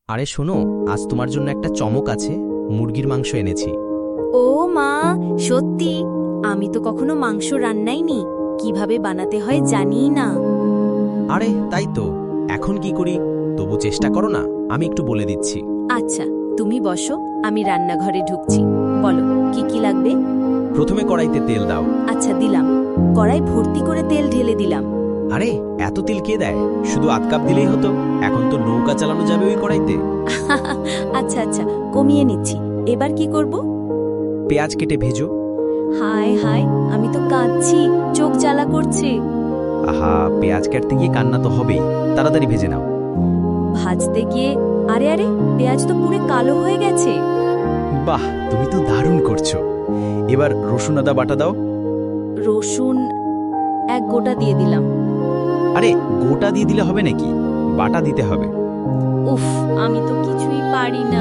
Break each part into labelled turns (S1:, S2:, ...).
S1: আরে শোনো, আজ তোমার জন্য একটা চমক আছে। মুরগির মাংস এনেছি।
S2: ও মা, সত্যি? আমি তো কখনো মাংস রান্নাইনি, কিভাবে বানাতে হয় জানিই না।
S1: আরে তাই তো, এখন কি করি? তবু চেষ্টা করো না, আমি একটু বলে দিচ্ছি।
S2: আচ্ছা, তুমি বসো, আমি রান্নাঘরে ঢুকছি। বলো, কি কি লাগবে?
S1: প্রথমে কড়াইতে তেল দাও।
S2: আচ্ছা, দিলাম। কড়াই ভর্তি করে তেল ঢেলে দিলাম।
S1: আরে এত তেল কে দেয়? শুধু আধ কাপ দিলেই হতো। এখন তো নৌকা চালানো যাবে ওই কড়াইতে।
S2: আচ্ছা আচ্ছা, কমিয়ে নিচ্ছি। এবার কি করব?
S1: পেঁয়াজ কেটে ভেজো।
S2: হায় হায়, আমি তো কাঁদছি, চোখ জ্বালা করছে।
S1: আহা, পেঁয়াজ কাটতে গিয়ে কান্না তো হবেই। তাড়াতাড়ি ভেজে নাও।
S2: ভাজতে গিয়ে আরে আরে, পেঁয়াজ তো পুরো কালো হয়ে গেছে।
S1: বাহ, তুমি তো দারুণ করছো। এবার রসুন আদা বাটা দাও।
S2: রসুন এক গোটা দিয়ে দিলাম।
S1: আরে গোটা দিয়ে দিলে হবে নাকি? বাটা দিতে হবে।
S2: উফ, আমি তো কিছুই পারি না।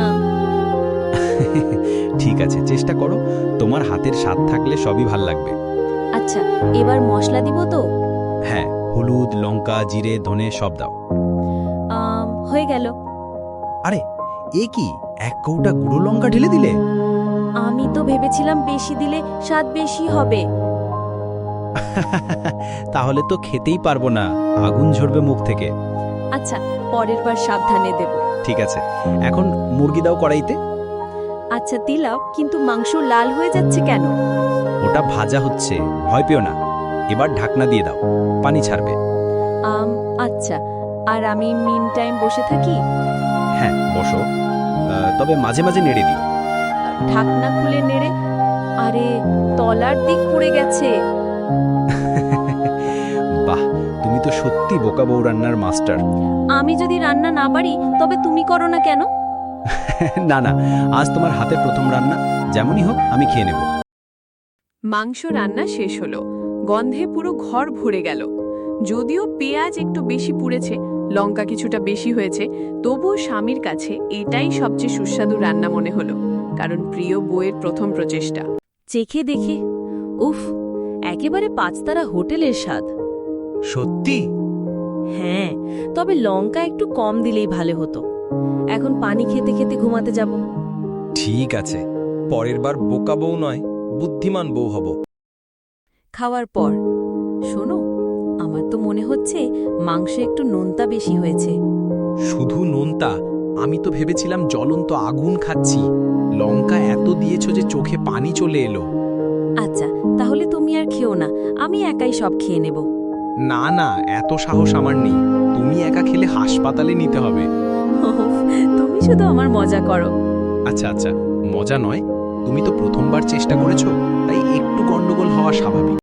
S1: ঠিক আছে, চেষ্টা করো। তোমার হাতের স্বাদ থাকলে সবই ভাল লাগবে।
S2: আচ্ছা, এবার মশলা দিব তো?
S1: হ্যাঁ, হলুদ, লঙ্কা, জিরে, ধনে সব দাও।
S2: হয়ে গেল।
S1: আরে এ কি, এক কৌটা গুঁড়ো লঙ্কা ঢেলে দিলে?
S2: আমি তো ভেবেছিলাম বেশি দিলে স্বাদ বেশি হবে।
S1: তাহলে তো খেতেই পারবো না, আগুন ঝরবে মুখ থেকে।
S2: আচ্ছা, পরের বার সাবধানে দেব।
S1: ঠিক আছে, এখন মুরগি দাও কড়াইতে।
S2: আচ্ছা দিলাম, কিন্তু মাংস লাল হয়ে যাচ্ছে কেন?
S1: ওটা ভাজা হচ্ছে, ভয় পেও না। এবার ঢাকনা দিয়ে দাও, পানি ছাড়বে।
S2: আচ্ছা, আর আমি মিন টাইম বসে থাকি?
S1: হ্যাঁ বসো, তবে মাঝে মাঝে নেড়ে দিও।
S2: ঢাকনা খুলে নেড়ে। আরে, তলার দিক পুড়ে গেছে।
S1: বাহ, তুমি তো সত্যি বোকা বউ রান্নার মাস্টার।
S2: আমি যদি রান্না না পারি তবে তুমি করো না কেন?
S1: না না, আজ তোমার হাতে প্রথম রান্না। যেমনই হোক আমি খেয়ে নেব।
S3: মাংস রান্না শেষ হলো। গন্ধে পুরো ঘর ভরে গেল। যদিও পেঁয়াজ একটু বেশি পুড়েছে, লঙ্কা কিছুটা বেশি হয়েছে, তবুও স্বামীর কাছে এটাই সবচেয়ে সুস্বাদু রান্না মনে হলো, কারণ প্রিয় বউয়ের প্রথম প্রচেষ্টা।
S2: চেখে দেখে উফ, একেবারে পাঁচতারা হোটেলের স্বাদ।
S1: সত্যি?
S2: হ্যাঁ, তবে লঙ্কা একটু কম দিলেই ভালো হতো। এখন পানি খেতে খেতে ঘুমাতে যাব।
S4: ঠিক আছে, পরের বার বোকা বউ নয়, বুদ্ধিমান বউ হব।
S2: খাওয়ার পর, শোনো, আমার তো মনে হচ্ছে মাংস একটু নোনতা বেশি হয়েছে।
S1: শুধু নোনতা? আমি তো ভেবেছিলাম জ্বলন্ত আগুন খাচ্ছি। লঙ্কা এত দিয়েছো যে চোখে পানি চলে এলো।
S2: আচ্ছা, তাহলে তুমি আর খেও না, আমি একাই সব খেয়ে নেব।
S1: না না, এত সাহস আমার নেই। তুমি একা খেলে হাসপাতালে নিতে হবে।
S2: উফ, তুমি শুধু আমার মজা করো।
S1: আচ্ছা আচ্ছা, মজা নয়, তুমি তো প্রথমবার চেষ্টা করেছো, তাই একটু গন্ডগোল হওয়া স্বাভাবিক।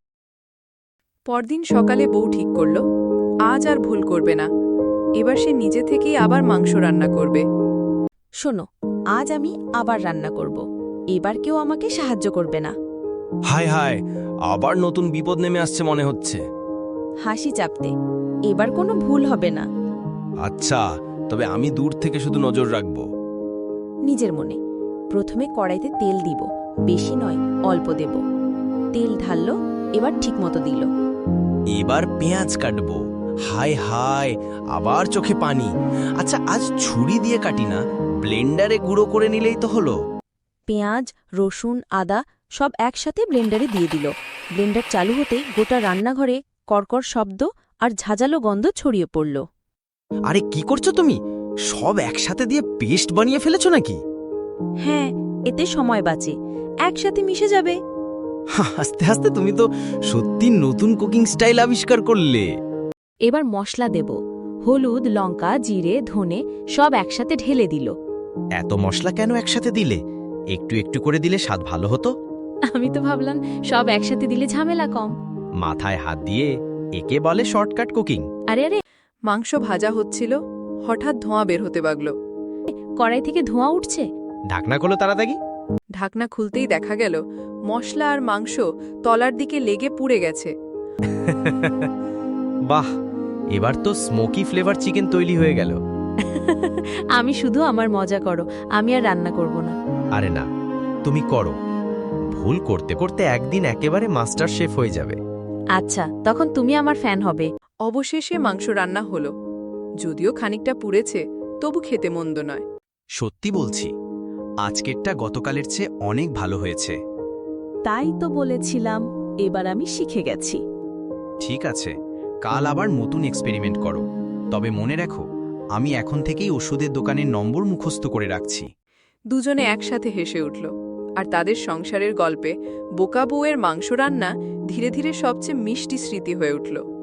S3: পরদিন সকালে বউ ঠিক করল, আজ আর ভুল করবে না। এবার সে নিজে থেকেই আবার মাংস রান্না করবে।
S2: শোনো, আজ আমি আবার রান্না করব। এবার কেউ আমাকে সাহায্য করবে না।
S4: হায় হায়, আবার নতুন বিপদ নেমে আসছে মনে হচ্ছে।
S2: হাসি চাপতে, এবার কোনো ভুল হবে না।
S4: আচ্ছা, তবে আমি দূর থেকে শুধু নজর রাখব।
S2: নিজের মনে। প্রথমে কড়াইতে তেল দিব, বেশি নয়, অল্প দেব। তেল ঢাললো, এবার ঠিকমতো দিল।
S4: এবার পেঁয়াজ কাটবো। হায় হায়, আবার চোখে পানি। আচ্ছা, আজ ছুরি দিয়ে কাটি না, ব্লেন্ডারে গুঁড়ো করে নিলেই তো হলো।
S2: পেঁয়াজ, রসুন, আদা সব একসাথে ব্লেন্ডারে দিয়ে দিল। ব্লেন্ডার চালু হতে গোটা রান্নাঘরে কড়কড় শব্দ আর ঝাঁঝালো গন্ধ ছড়িয়ে পড়ল।
S4: আরে কি করছো তুমি? সব একসাথে দিয়ে পেস্ট বানিয়ে ফেলেছো নাকি?
S2: হ্যাঁ, এতে সময় বাঁচে, একসাথে মিশে যাবে।
S4: আস্তে আস্তে তুমি তো সত্যি নতুন কুকিং স্টাইল আবিষ্কার করলে।
S2: এবার মশলা দেব। হলুদ, লঙ্কা, জিরে, ধনে সব একসাথে ঢেলে দিল।
S4: এত মশলা কেন একসাথে দিলে? একটু একটু করে দিলে স্বাদ ভালো হতো।
S2: আমি তো ভাবলাম সব একসাথে দিলে ঝামেলা কম।
S4: মাথায় হাত দিয়ে, একে বলে শর্টকাট কুকিং।
S2: আরে আরে,
S3: মাংস ভাজা হচ্ছিল, হঠাৎ ধোঁয়া বের হতে লাগল।
S2: কড়াই থেকে ধোঁয়া উঠছে।
S4: ঢাকনা খোলো তাড়াতাড়ি।
S3: ঢাকনা খুলতেই দেখা গেল মশলা আর মাংস তলার দিকে লেগে পুড়ে গেছে।
S4: বাহ, এবার তো স্মোকি ফ্লেভার চিকেন তৈরি হয়ে গেল।
S2: আমি শুধু আমার মজা করো, আমি আর রান্না করব না।
S4: আরে না, তুমি করো। ভুল করতে করতে একদিন একেবারে মাস্টার শেফ হয়ে যাবে।
S2: আচ্ছা, তখন তুমি আমার ফ্যান হবে।
S3: অবশেষে মাংস রান্না হলো। যদিও খানিকটা পুড়েছে, তবু খেতে মন্দ নয়।
S4: সত্যি বলছি, আজকেরটা গতকালের চেয়ে অনেক ভালো হয়েছে।
S2: তাই তো বলেছিলাম, এবার আমি শিখে গেছি।
S4: ঠিক আছে, কাল আবার নতুন এক্সপেরিমেন্ট করো। তবে মনে রাখো, আমি এখন থেকেই ওষুধের দোকানের নম্বর মুখস্থ করে রাখছি।
S3: দুজনে একসাথে হেসে উঠল, আর তাদের সংসারের গল্পে বোকা বউয়ের মাংস রান্না ধীরে ধীরে সবচেয়ে মিষ্টি স্মৃতি হয়ে উঠল।